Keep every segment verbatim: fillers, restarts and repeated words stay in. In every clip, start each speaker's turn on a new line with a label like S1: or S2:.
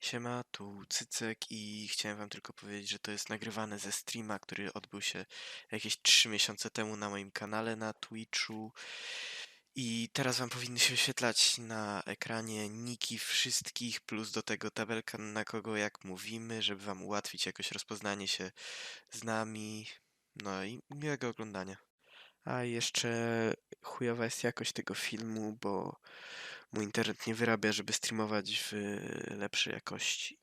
S1: Siema, tu Cycek i chciałem wam tylko powiedzieć, że to jest nagrywane ze streama, który odbył się jakieś trzy miesiące temu na moim kanale na Twitchu. I teraz wam powinny się wyświetlać na ekranie niki wszystkich, plus do tego tabelka, na kogo jak mówimy, żeby wam ułatwić jakoś rozpoznanie się z nami. No i miłego oglądania. A jeszcze chujowa jest jakość tego filmu, bo mój internet nie wyrabia, żeby streamować w lepszej jakości.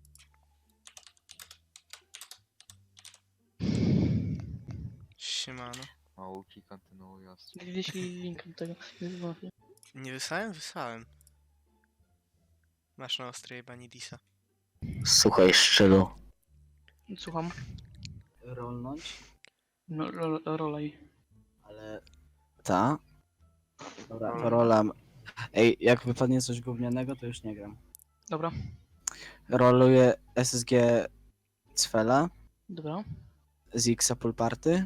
S1: Siemano.
S2: Małki kontynuując.
S3: Wyślij link do tego.
S1: Nie wysłałem? Wysłałem. Masz na ostrej Banidisa.
S4: Słuchaj, Szczelu.
S3: Słucham.
S4: Rolnąć?
S3: No, ro, rolej.
S4: Ale... Ta? Dobra, to rolam. Ej, jak wypadnie coś gównianego, to już nie gram.
S3: Dobra,
S4: Roluję S S G Cfela
S3: dobra.
S4: z Xa Pool Party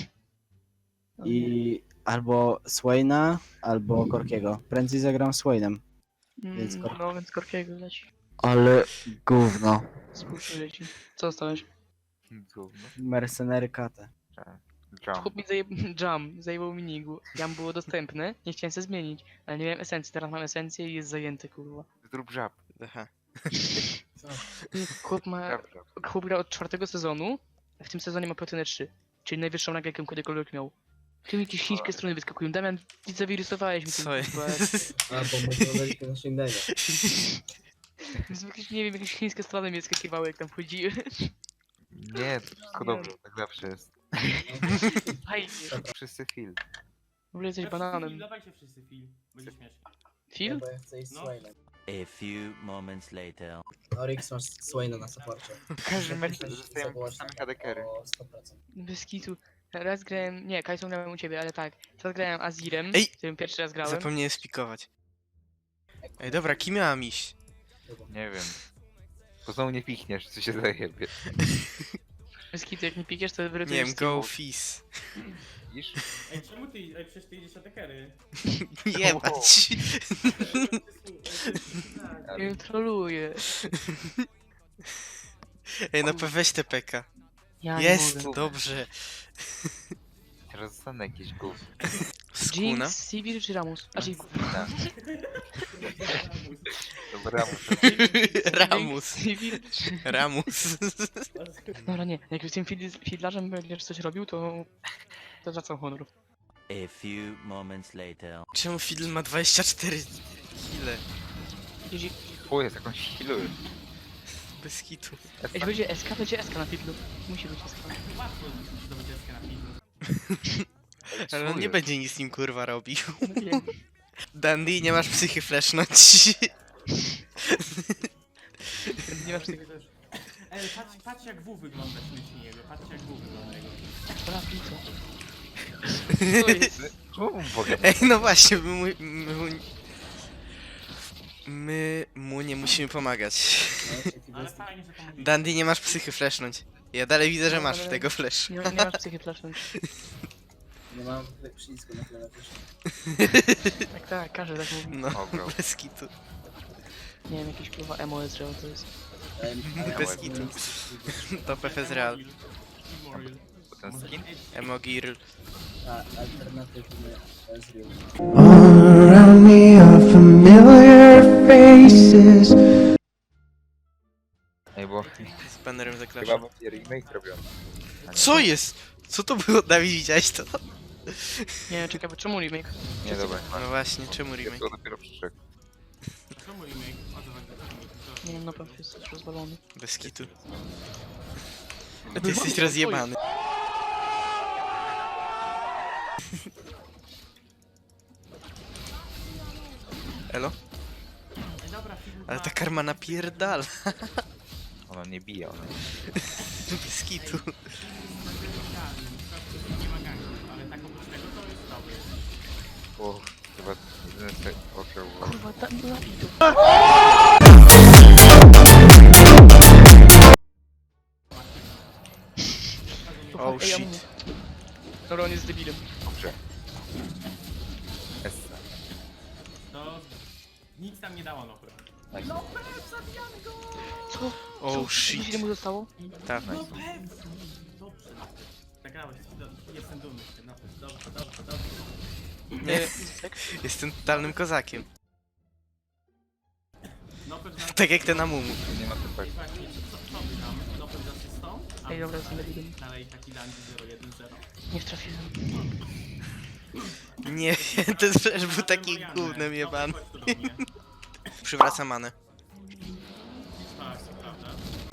S4: i albo Swaina, albo Korkiego. Prędzej zagram Swainem. więc
S3: Mm,
S4: Kork-
S3: no, więc Korkiego leci.
S4: Ale gówno.
S3: Współczuję ci. Co dostałeś?
S2: Gówno.
S4: Mercenary Kate.
S2: Jump.
S3: Chłop mi zajeb... Jam, zajebał mi nigu. Jam było dostępne, nie chciałem się zmienić. Ale nie miałem esencji, teraz mam esencję i jest zajęty, kurwa.
S2: Zrób żab.
S1: Aha.
S3: Chłop ma...
S2: Żab, żab.
S3: Chłop gra od czwartego sezonu, a w tym sezonie ma platynę trzy. Czyli najwyższą rangę, jaką kiedykolwiek miał. Tu mi jakieś chińskie strony wyskakują. Damian, ty zawirusowałeś mi tym,
S1: Co
S3: kurwa.
S1: jest?
S4: A, bo może dodać na sięgnięcia.
S3: Jakieś, nie wiem, jakieś chińskie strony mi skakiwały, jak tam wchodziły.
S2: Nie, to wszystko dobrze, tak zawsze jest.
S3: Fajnie.
S2: Wszyscy feel.
S3: W ogóle jesteś
S5: Ja wszyscy
S3: bananem.
S5: Film, dawajcie wszyscy film, będzie śmiesznie.
S3: Phil?
S4: Bo ja chcę iść
S5: No.
S4: Swainem.
S6: A few moments later.
S4: Oryx masz Swaina na supporcie.
S2: W każdym meczu zostajemy same hadekery.
S4: O sto procent.
S3: Bez kitu. Raz grałem, nie, Kajsą grałem u ciebie, ale tak. Teraz grałem Azirem,
S1: Ej!
S3: którym pierwszy raz grałem.
S1: Zapomniałem spikować. Ej, dobra, kim miałam iść?
S2: Nie wiem. Bo znowu nie pichniesz, co się zajebie.
S3: Bez kitu, jak nie pikiesz, to
S1: Nie
S3: wyratujesz
S1: wiem,
S3: z teamu.
S1: go Fizz.
S2: Widzisz?
S5: Ej, czemu ty, ej, przecież ty idziesz atekery?
S1: Jebać.
S3: Ja ją troluję.
S1: Ej, no weź te peka.
S3: Ja nie
S1: Jest,
S3: mogę.
S1: dobrze.
S2: Teraz zostanę jakiś gówno.
S1: Skuna?
S3: Jinx, Sivir czy Ramus? A czyli
S2: Tak. Dobra, muszę.
S1: Ramus.
S3: Sivir czy...
S1: Ramus.
S3: Dobra, nie, jak z tym fid- fidlarzem będziesz coś robił, to... To zwracam honor.
S6: A few moments later.
S1: Czemu Fidel ma dwadzieścia cztery kile?
S3: Jeśli,
S2: O, jest jakąś healuję.
S1: Bez hitu.
S3: jeśli będzie S K, będzie S K na fidlu. Musi być S K.
S5: Łatwo zdobyć deskę na film.
S1: Ale on nie będzie nic z nim kurwa robił.
S3: No wiem.
S1: Dandy, nie masz psychy flashnąć.
S3: Nie masz tego...
S5: Ej, patrz, patrz jak W wygląda śmiesznie jego, patrz jak W wygląda jego.
S3: Dobra, co? Co jest?
S2: Czemu mu powiem?
S1: Ej, no właśnie, my mu, my, mu, my mu nie musimy pomagać.
S5: Ale fajnie, że pomogli.
S1: Dandy, nie masz psychy flashnąć. Ja dalej widzę, że masz
S3: Ale-
S1: tego flash.
S3: Nie, nie masz psychy flashnąć.
S4: Nie mam przycisku na klawiaturze.
S3: Tak, tak, każdy tak mówi.
S1: No,
S2: O, bro.
S1: bez kitu.
S3: Nie wiem, jakiś kurwa emo jest, że to jest.
S1: Bez kitu. To P F jest real.
S5: Immortal.
S2: Ten skin?
S1: Emo Girl.
S4: A, alternatywny Ezreal.
S7: All around me are familiar faces.
S2: Ej, bo
S1: Z banerem za
S2: chyba
S1: klawiszem.
S2: będzie remake robiony. A nie.
S1: Co jest? Co to było, Dawid, widziałeś to?
S3: Nie wiem, czekaj, bo czemu remake?
S2: Nie, dobra.
S1: No właśnie, czemu remake?
S2: To dopiero przyszedł.
S5: Czemu remake? O co chodzi za remake?
S3: Nie wiem, na pewno jest już rozwalony.
S1: Bez kitu. Ty jesteś rozjebany. Elo?
S5: Ej, dobra, film
S1: Ale
S5: ma-
S1: ta karma napierdala.
S2: Ona nie bije, ona.
S1: Bez kitu.
S5: Nie ma gangu, ale tak oprócz tego to jest dobry.
S2: O, chyba jedyne co okrął.
S3: Kurwa, tam była widu.
S1: Oh shit.
S3: Dobra, on jest debilem.
S2: Dobrze. S.
S5: To nic tam nie dało, no chyba.
S2: Tak.
S3: Co?
S1: Oh
S3: Widzisz, ile
S1: shit.
S3: mu zostało?
S1: Tak.
S5: No pewnie. Dobrze. Nagrałeś, do- jestem dumny. z ciebie, no, Dobrze, dobrze, dobrze.
S1: Nie,
S3: Tak?
S1: jestem totalnym kozakiem.
S5: No pewnie,
S1: Tak jak ten Amumu.
S2: Nie ma typek.
S5: właśnie, co, co by tam? No pewnie z asystą, a
S3: Ej, dobra, jestem debilem.
S5: dalej taki Dandy zero jeden zero.
S3: Nie wtrafiłem.
S1: Nie, ten flash był taki gównem jebany. Przywraca manę.
S5: Tak, to prawda.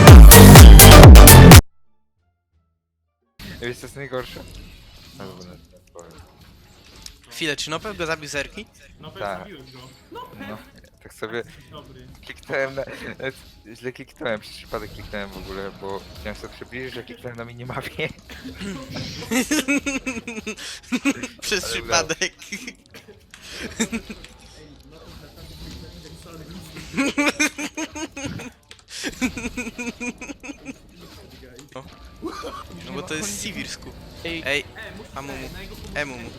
S2: Wiesz co jest najgorsze? No, dobra, nie powiem.
S1: Chwilę, czy Nopel go zabił zerki?
S5: No pewnie
S2: Tak.
S5: zabiłeś go.
S2: No, tak sobie
S5: Dobry.
S2: kliknąłem na... nawet źle kliknąłem, przez przypadek kliknąłem w ogóle, bo chciałem sobie przybliżyć, że kliknąłem na minimapie.
S1: Przez
S2: Ale
S1: przypadek. O. No bo to jest Siwirsku.
S3: Ej,
S1: Ej,
S5: E, musisz
S1: Amumu.
S5: na jego
S1: Emumu.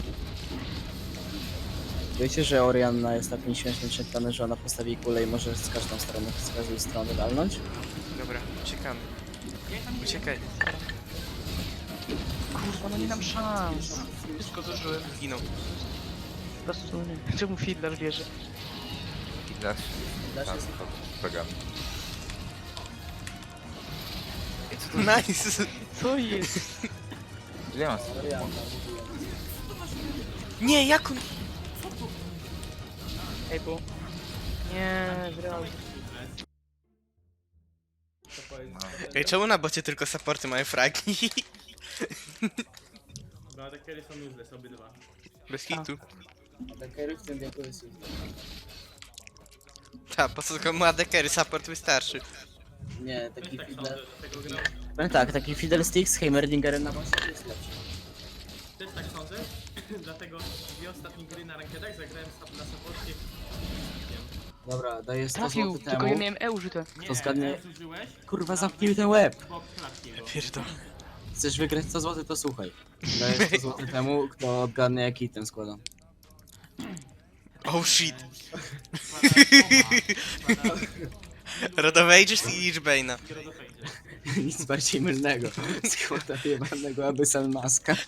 S4: Wiecie, że Orianna jest takim śmiesznym przekonany, że ona postawi kulę i może z każdą stroną, z każdej strony walnąć?
S1: Dobra, uciekamy. Uciekaj.
S3: kurwa, no nie dam szans. Wszystko zużyłem.
S1: Zginął.
S3: Po prostu nie. Czemu Fiddler wierzy?
S2: I nasz...
S4: Dasz
S2: Tam,
S4: jest...
S2: to program.
S1: Nice.
S3: Co jest?
S2: Ile mam
S4: Orianna, mówiłem.
S1: Nie, jak on...
S3: Ej, bo... Nie, zreal.
S1: Ej, czemu na bocie tylko supporty mają fragi?
S5: Bo adekery są useless, obydwa.
S1: Bez hitu.
S4: Atakery w tym wieku jest ich.
S1: Ta, po co komu adekery, support wystarczy.
S4: Nie,
S5: Też
S4: taki
S5: tak
S4: fiddle...
S5: sądzę, dlatego gram.
S4: Powiem tak, taki Fiddlestick z Heimerdingerem na bosie jest lepszy.
S5: Też tak sądzę, dlatego dwie ostatnie gry na rankedach zagrałem sub- na supporcie.
S4: Dobra, daję sto
S3: Trafił,
S4: złotych
S3: tylko
S4: temu.
S3: ja miałem E użyte.
S5: Nie,
S4: Kto zgadnie-
S5: e, zużyłeś,
S4: Kurwa, zamknij ten łeb!
S5: bo klatki jego.
S1: Pierdol.
S4: Chcesz wygrać sto złotych, to słuchaj. Daję sto złotych temu, kto odgadnie jaki item składam.
S1: Oh shit.
S5: Składa- składa
S1: Rodowages i Lichbane'a.
S5: Rodofejdzie.
S4: Nic bardziej mylnego. Składa jebanego Abyssal Maska.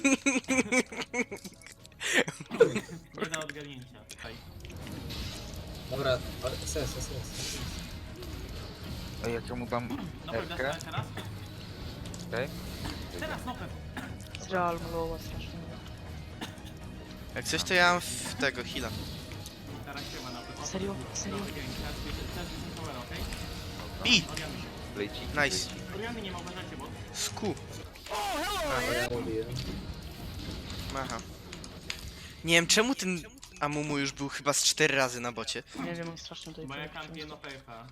S5: Nie da odgadnięcia. Tutaj.
S4: Dobra, ses, ses, ses.
S2: Ej, jak ja mu dam
S5: No pewnie
S2: Erkę,
S5: teraz?
S2: okej?
S5: Teraz no pewnie.
S3: Zreal malowa strasznie.
S1: Jak coś to ja mam w tego heala.
S5: Teraz się ma na pewno.
S3: Serio? Serio?
S5: Teraz jest power, okej?
S1: I!
S5: Oriany się.
S2: Lejci.
S1: Nice.
S5: Oriany nie ma, uważajcie, bo...
S1: Sku.
S4: Ja robiłem.
S1: Aha. Nie wiem czemu ten Amumu już był chyba z cztery razy na bocie.
S3: Nie wiem, mam strasznie tutaj.
S5: Bo ja kampię no P F A.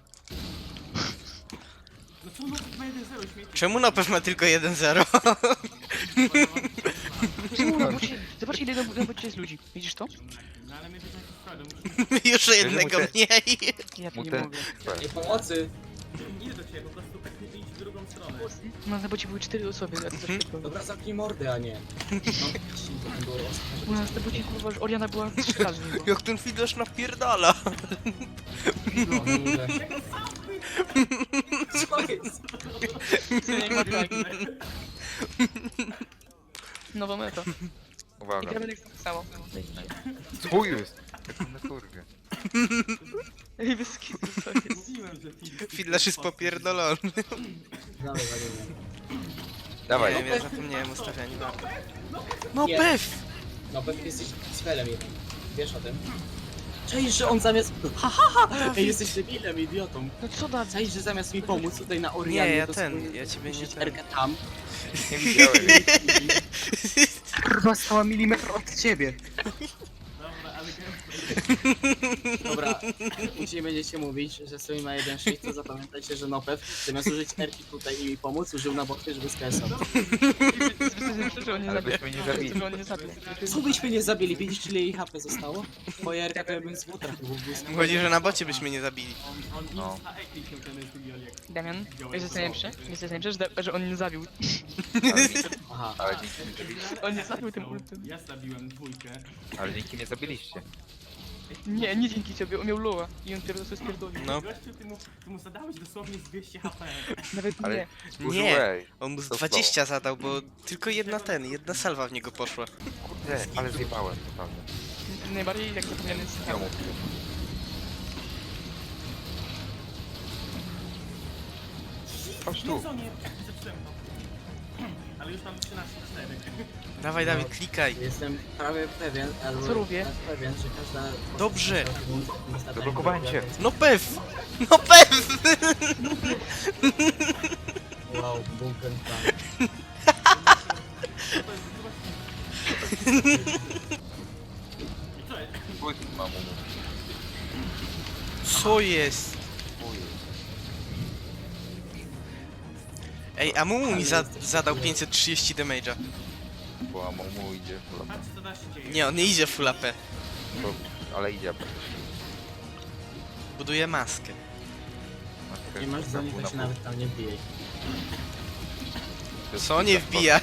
S5: No co, no ma jeden zero śmieci.
S1: Czemu Nopew ma tylko jeden zero?
S3: Czemu na bocie? Zobacz ile na na bocie jest ludzi. Widzisz to?
S5: No ale my będziemy składu, musimy...
S1: Jeszcze jednego
S2: muszę-
S1: mniej.
S3: Ja tu
S2: Mu
S3: nie
S2: ten...
S3: mogę.
S4: Nie pomocy!
S5: Idę do ciebie, po prostu idź w drugą stronę.
S3: No na bocie były cztery osoby, a to też problem.
S4: Dobra, zamknij mordę, a nie. No, to było
S3: U nas na bocie kurwa, że Oriana była trzy razy. nie było.
S1: Jak ten Fiddlerz napierdala.
S4: no, kurde. Co jest?
S3: Co nie ma tak. Nowa meta. I
S2: Uwaga.
S3: gramy tak samo.
S2: Co jest? Jak na kurwie.
S3: Ej, bez kitu, co jest?
S5: Mówiłem, że Filip...
S1: Fiddlerz jest popierdolony.
S4: Dawaj, walimy.
S2: Dawaj.
S1: Nie wiem, ja zapomniałem ustawiania marki. No Pew!
S4: No pewnie jesteś z felem jeden. Wiesz o tym? Cześć, że on zamiast... Ha, ha, ha! Ej, jesteś debilem, idiotą.
S3: No co da?
S4: Cześć, że zamiast mi pomóc tutaj na Orianie,
S1: Nie, ja
S4: to
S1: ten,
S4: sobie
S1: ja ciebie nie
S4: puścić
S1: ten.
S4: Erkę tam.
S2: Nie widziałem.
S4: Kurwa, stała milimetr od ciebie.
S5: Dobra, ale gram...
S4: Dobra, jeśli będziecie mówić, że sobie ma jeden sześć, to zapamiętajcie, że Nopew zamiast użyć Erki tutaj i mi pomóc, użył na boty, żeby skresować.
S3: Że on nie
S2: Ale
S3: zabił.
S2: byśmy nie zabili.
S3: Że on nie zabił.
S4: Co byśmy nie zabili? Widzisz, ile jej H P zostało? Twoja Erka to ja bym z butra chyba był.
S1: Chodzi, że na bocie byśmy nie zabili.
S5: On, on
S2: No.
S5: insta ekli się ten drugi Oliek.
S3: Damian, wiesz co jest najlepsze? Wiesz co jest najlepsze, że, da- że on nie zabił.
S2: Ale dzięki,
S4: Aha.
S2: ale dzięki nie zabiliście.
S3: On nie zabił tym ultem.
S5: Ja zabiłem dwójkę.
S2: Ale dzięki nie zabiliście.
S3: Nie, nie dzięki ciebie, on miał loa i on teraz sobie spierdolił.
S1: No,
S5: Gościu, ty mu, ty mu zadałeś dosłownie z dwieście H P.
S3: Nawet
S2: Ale
S3: nie.
S2: użyłeś.
S1: on mu z
S2: To
S1: dwadzieścia zadał, bo tylko jedna ten, jedna salwa w niego poszła.
S2: Kurde, ale zjebałem, naprawdę.
S3: Najbardziej jak zapomniany jest
S2: Ja mu. Chodź tu.
S5: Nie, nie, zepsułem to. Ale już mam trzynaście cztery.
S1: Dawaj,
S4: No.
S1: Dawid, klikaj.
S4: Jestem prawie pewien, albo
S3: Co robię?
S4: tak pewien, że każda...
S1: Dobrze.
S2: Zablokowałem cię.
S1: No pew! No pew!
S4: Wow, bunker plan.
S5: I co jest?
S2: Pójdź, mamu.
S1: Co jest?
S2: Pójdź.
S1: Ej, a Mumu mi za zadał pięćset trzydzieści damage'a.
S2: Bo mamu idzie.
S5: Patrz co da się dzieje.
S1: Nie, on nie idzie full A P.
S2: Bo, ale idzie praktycznie.
S1: Buduje maskę.
S4: Nie masz za nie, to się nawet tam nie wbijaj.
S1: Co nie wbijaj?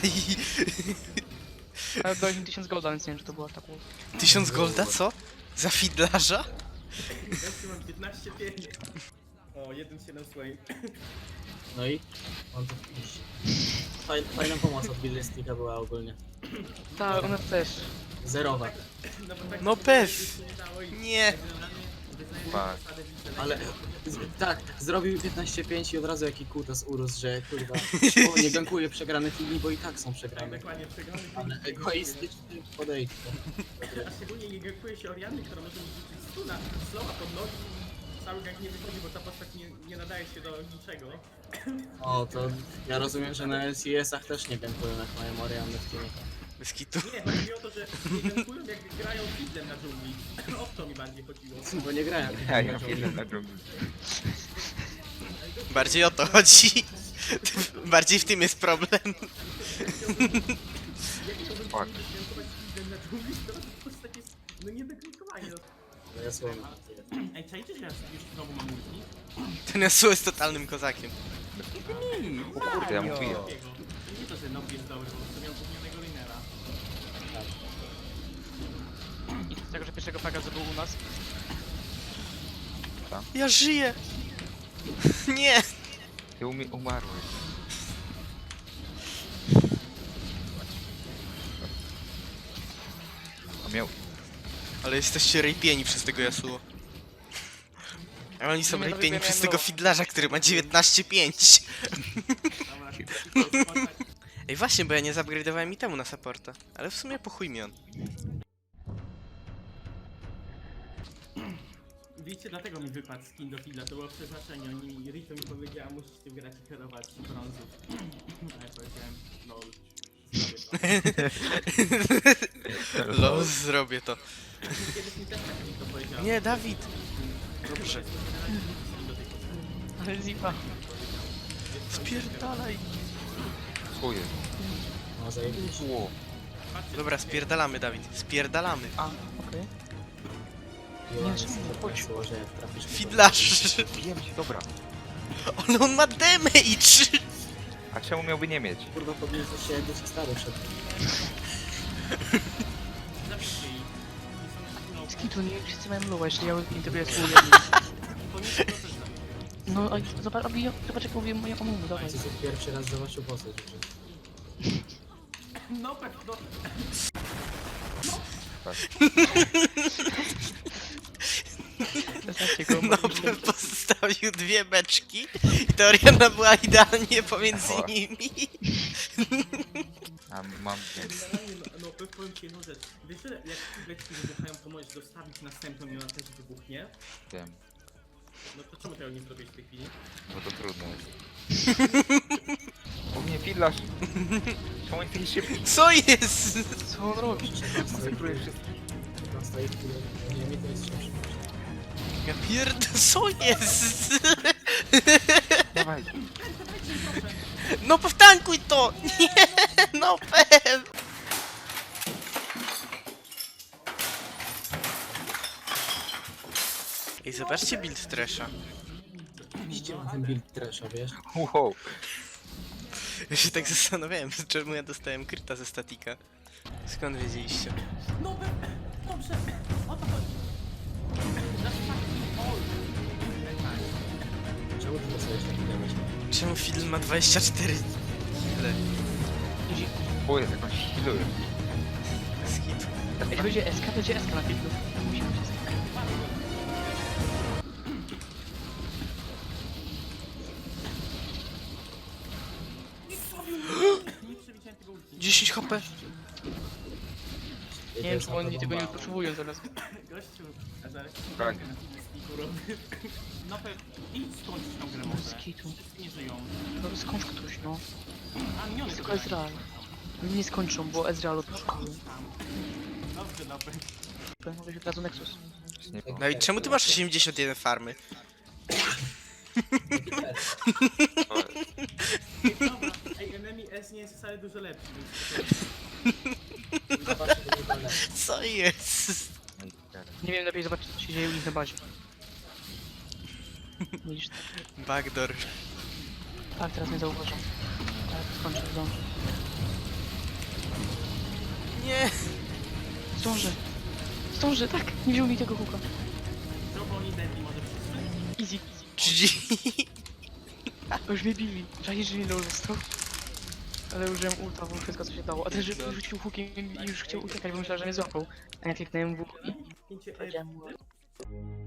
S3: Ale dałeś mi tysiąc golda, więc nie wiem, czy to było tak łatwo.
S1: Tysiąc golda, co? Za fidlarza?
S5: Gościu, mam piętnaście pięć. O, jeden siedem sway.
S4: No i? On to iść. Fajna, fajna pomoc od Billistika była ogólnie.
S3: Tak, ona też.
S4: Zerowa.
S5: No, bo tak
S1: No
S5: się
S1: pew!
S5: nie dało i-
S1: Nie.
S5: Generalnie wyznaję
S2: Tak.
S5: zasadę widzę,
S4: Ale z, tak, zrobił piętnaście pięć i od razu jaki kutas urósł, że kurwa, o, nie gankuje przegranych linii, bo i tak są
S5: Tak,
S4: przegrane.
S5: dokładnie przegrany.
S4: Ale egoistyczny podejście.
S5: A szczególnie nie gankuje się Orianny, która może mi rzucić stuna, slowa pod nogi i cały gank nie wychodzi, bo ta postać nie, nie nadaje się do niczego.
S4: O, to ja rozumiem, że na L C S-ach też nie gankują jak mają Orianny w teamie.
S1: Bez kitu.
S5: Nie, chodzi mi o to, że nie gankują jak grają fiddlem na dżungli. O to mi bardziej chodziło.
S4: Bo nie grają.
S2: Ja, ja idę na dżungli.
S1: Bardziej o to chodzi. Bardziej w tym jest problem.
S5: Jak to bym
S2: Fuck.
S5: powinien gankować fiddlem na dżungli, to ta postać jest no nie do gankowania. No.
S4: No ja słowem.
S5: Ej, czajcie, że ja już znowu mam ulti?
S1: Ten Yasuo jest totalnym kozakiem.
S2: O kurde, ja mówię.
S5: Takiego. Nie to, że Nob jest dobry, bo sobie miał głównego linera.
S3: I z tego, że pierwszego paga zrobił u nas.
S1: Ja żyję! Nie!
S2: Ty umi umarłeś. A miał...
S1: Ale jesteście rejpieni przez tego Yasuo. A oni są
S3: Nie, no
S1: rejpieni
S3: wybierałem
S1: przez tego
S3: low.
S1: fidlarza, który ma dziewiętnaście pięć.
S5: Dobra, postać.
S1: Ej, właśnie, bo ja nie zupgrade'owałem itemu na supporta. Ale w sumie po chuj mi on.
S5: Wiecie, dlatego mi wypadł skin do Fidla, to było przeznaczenie. Oni, Rito mi powiedziała, musisz tym grać i kierować brązów. A ja powiedziałem, lol. zrobię to.
S1: Los, zrobię to.
S5: Kiedyś mi też tak mi to powiedział.
S1: Nie, Dawid! Dobrze.
S3: Ale zipa.
S1: Spierdalaj.
S2: Co jest?
S4: No zajebiście.
S2: Ło.
S1: Dobra, spierdalamy, Dawid. Spierdalamy.
S3: A, okej.
S4: Nie, że sobie że jak trafisz...
S1: Fidlarz!
S2: Wiem cię, dobra.
S1: Ale on ma damage!
S2: A czemu miałby nie mieć?
S4: Kurwa, powinien coś się jakby się stary przed tym.
S5: Zabijcie ich. Oni są,
S3: Z kitu, nie wszyscy mają loa, jeśli ja integruję swój jednym.
S5: no, powinien to też zabić.
S3: No, a zobacz, a ja- zobacz jak mówię moja omumu, dawaj.
S4: Słuchajcie, co pierwszy raz zobaczył postać w życiu.
S5: No, tak, no.
S3: Zostawcie go,
S1: No,
S3: bo
S1: bym postawił dwie beczki i ta Oriana była idealnie pomiędzy
S2: Ała.
S1: nimi.
S2: A mam więc.
S5: Generalnie, no, no powiem- powiem ci jedną rzecz. Wiesz, że jak beczki wybuchają, to możesz dostawić następną i ona też wybuchnie?
S2: Wiem,
S5: No to czemu tego nie zrobiłeś w tej chwili?
S2: bo to trudne jest. O nie, fidlarz! Czemu nie taki szybki?
S1: Co jest?
S3: co on robi?
S2: Koncentruje wszystkich.
S4: Tam stoi chwilę, nie, mi to jest szybszy.
S1: Ja pierd... Co jest?
S2: Dawaj.
S1: No powtankuj to! Nie! No pew! Ej, zobaczcie build Thrasha.
S4: Idzie na ten build trasha, wiesz?
S2: Wow.
S1: Ja się tak zastanawiałem, czemu ja dostałem kryta ze statika. Skąd wiedzieliście?
S5: No, dobrze, o to chodzi.
S1: Czemu film ma dwadzieścia cztery? Ile?
S3: Idzie.
S2: O, jest jakąś healuję.
S1: Bez hitu.
S3: Jak będzie S K, będzie S K na filmu. Musi być S K.
S5: Nie przewidziałem tego ulti.
S1: dziesięć H P.
S3: Nie wiem, czy oni tego nie potrzebują zaraz.
S5: Gościu, a zaraz
S2: Tak.
S5: na filmiku robię. No pewnie, idź skończyć tą grę może.
S3: Skitu.
S5: Wszyscy nie żyją.
S3: No skądś ktoś, no.
S5: A miniony
S3: Jest tylko Ezreal. Nie skończą, bo Ezreal odpuszczają.
S5: Dobrze, dobrze.
S3: Mogę się od razu Nexus.
S2: Nie wiem.
S1: No i czemu ty masz osiemdziesiąt jeden farmy?
S5: Dobra, ej, enemy S nie jest wcale dużo lepszy. więc
S4: Zobaczcie, to był problem.
S1: Co jest?
S3: Nie wiem, lepiej zobaczyć, co się dzieje u nich na bazie. Widzisz?
S1: Backdoor.
S3: Tak, teraz nie zauważam. Ale to skończę, zdążę.
S1: Nie.
S3: Zdążę! Zdążę, tak! Nie wziął mi tego huka.
S5: Co, bo oni deadly może przyszły?
S3: Easy.
S1: G G.
S3: A już mnie bili. Czaisz, że mi low został. Ale użyłem ulta, bo wszystko co się dało. A też że rzucił hukiem i już chciał uciekać, bo myślał, że mnie złapał. A ja kliknąłem w łuk i
S5: Pięcie
S3: powiedziałem mu...